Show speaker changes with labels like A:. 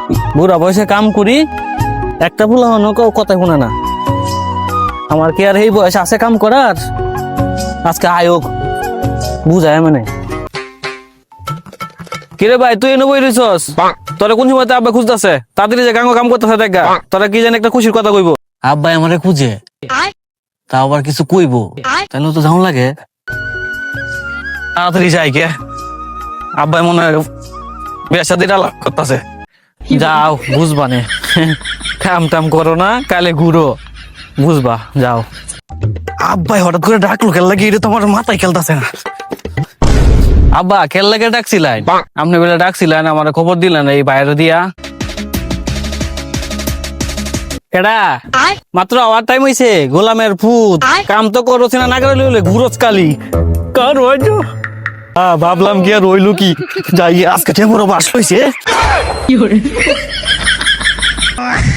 A: বুড়া বয়সে কাম করি, একটা ফুলা হনো কথা শুনে না। আমার কি আর এই বয়স আছে কাম করার? আজকে আয়োগ বুঝায় মানে। কিরে ভাই, তুই এনে বই রইছস? তোরা কোন সময় আব্বা খুঁজতেছে? তাড়াতাড়ি যে গাঙ্গ কাম করতেছে দেখা। তোরা কি জানি একটা খুশির কথা কইব। আব্বাই আমারে খুঁজে, তা আবার কিছু কইব, তাহলে তো যাওন লাগে। তাড়াতাড়ি যাই কে, আব্বাই মনে হয় বিয়ের সাথে আলাপ করতেছে। যাও বুঝবা নে, কাম টাম করো না, কালে ঘুরো, বুঝবা। যাও। আব্বাই হঠাৎ করে ডাকলো খেল লাগে, এটা তোমার মাথায় খেলতেছে না। আব্বা খেল লাগে ডাকছিলেন, আপনি বেলা ডাকছিলেন, আমার খবর দিলেন এই বাইরে দিয়া। কেডা? মাত্র আওয়ার টাইম হইছে, গোলামের ফুট কাম তো করছ না, না করে ঘুরোস কালি কার হইছো। ভাবলাম কি আর রইলো কি, যাই আজকে টেম্পোর বাস হইছে।